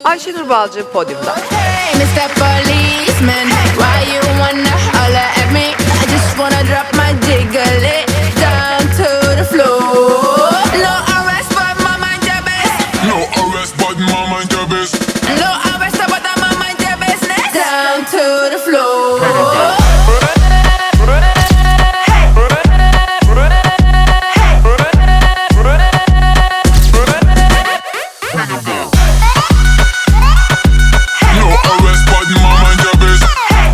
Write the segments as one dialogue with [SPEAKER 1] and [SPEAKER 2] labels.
[SPEAKER 1] Ayşenur Balcı podyumda.
[SPEAKER 2] Hey, Mr. Policeman, why you wanna holler at me? I just wanna drop my jiggle down to the floor. No arrest, but my mind your best.
[SPEAKER 3] No arrest, but my mind your best.
[SPEAKER 2] No arrest, but my mind your business. Down to the floor.
[SPEAKER 3] No arrest, but my mind your best.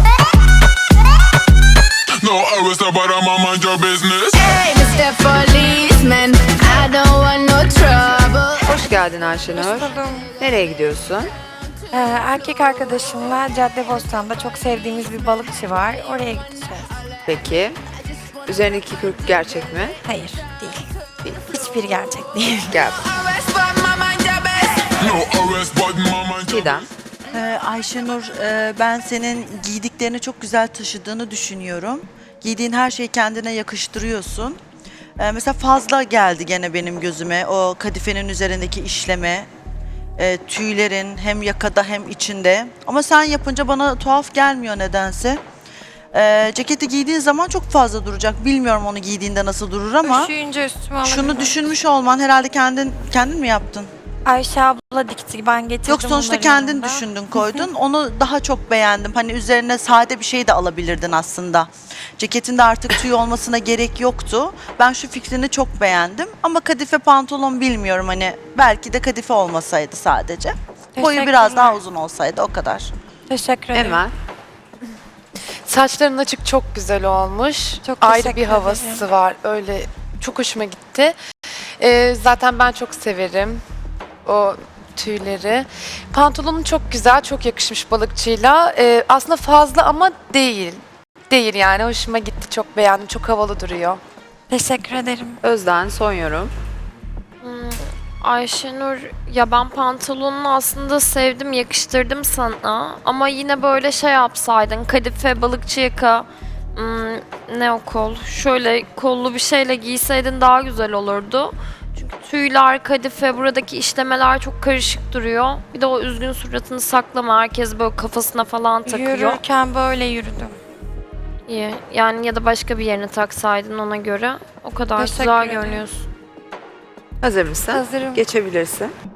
[SPEAKER 3] No arrest, but my mind your business.
[SPEAKER 2] Hey, Mr. Policeman, I don't want no trouble.
[SPEAKER 1] Hoş geldin Ayşenur.
[SPEAKER 4] Hoş buldum.
[SPEAKER 1] Nereye gidiyorsun?
[SPEAKER 4] Erkek arkadaşımla Caddebostan'da çok sevdiğimiz bir balıkçı var. Oraya gideceğiz.
[SPEAKER 1] Peki. Üzerindeki kürk gerçek mi?
[SPEAKER 4] Hayır, değil. Hiçbir gerçek değil.
[SPEAKER 1] Gel.
[SPEAKER 2] Arrest, but my mind your best.
[SPEAKER 3] No arrest, but my mind your
[SPEAKER 1] Çiğdem.
[SPEAKER 5] Ayşenur, ben senin giydiklerini çok güzel taşıdığını düşünüyorum. Giydiğin her şeyi kendine yakıştırıyorsun. Mesela fazla geldi gene benim gözüme o kadifenin üzerindeki işleme, tüylerin hem yakada hem içinde. Ama sen yapınca bana tuhaf gelmiyor nedense. Ceketi giydiğin zaman çok fazla duracak. Bilmiyorum onu giydiğinde nasıl durur ama
[SPEAKER 4] Üşüyünce üstüme alabilirim.
[SPEAKER 5] şunu düşünmüş olman herhalde kendin mi yaptın?
[SPEAKER 4] Ayşe abla dikti, ben getirdim.
[SPEAKER 5] Yok sonuçta
[SPEAKER 4] bunları
[SPEAKER 5] kendin
[SPEAKER 4] yanımda.
[SPEAKER 5] düşündün koydun. Onu daha çok beğendim. Hani üzerine sade bir şey de alabilirdin aslında. Ceketinde artık tüy olmasına gerek yoktu. Ben şu fikrini çok beğendim. Ama kadife pantolon bilmiyorum hani. Belki de kadife olmasaydı sadece. Boyu biraz daha uzun olsaydı o kadar.
[SPEAKER 4] Teşekkür ederim.
[SPEAKER 1] Emel.
[SPEAKER 6] Saçların açık çok güzel olmuş.
[SPEAKER 4] Çok
[SPEAKER 6] Ayrı
[SPEAKER 4] teşekkür
[SPEAKER 6] bir havası
[SPEAKER 4] ederim.
[SPEAKER 6] var. Öyle çok hoşuma gitti. Zaten ben çok severim o tüyleri. Pantolonun çok güzel, çok yakışmış balıkçıyla. Aslında fazla ama değil. Değil yani. Hoşuma gitti. Çok beğendim. Çok havalı duruyor.
[SPEAKER 4] Teşekkür ederim.
[SPEAKER 1] Özden son yorum.
[SPEAKER 7] Ayşenur, ya ben pantolonunu aslında sevdim, yakıştırdım sana. Ama yine böyle şey yapsaydın, kadife, balıkçı yaka, ne o kol, şöyle kollu bir şeyle giyseydin daha güzel olurdu. Çünkü tüyler, kadife, buradaki işlemeler çok karışık duruyor. Bir de o üzgün suratını saklama, herkes böyle kafasına falan takıyor.
[SPEAKER 4] Yürürken böyle yürüdüm.
[SPEAKER 7] İyi, yani ya da başka bir yerine taksaydın ona göre. O kadar
[SPEAKER 4] Teşekkür
[SPEAKER 7] güzel
[SPEAKER 4] ederim.
[SPEAKER 7] görünüyorsun.
[SPEAKER 1] Hazır mısın?
[SPEAKER 4] Hazırım.
[SPEAKER 1] Geçebilirsin.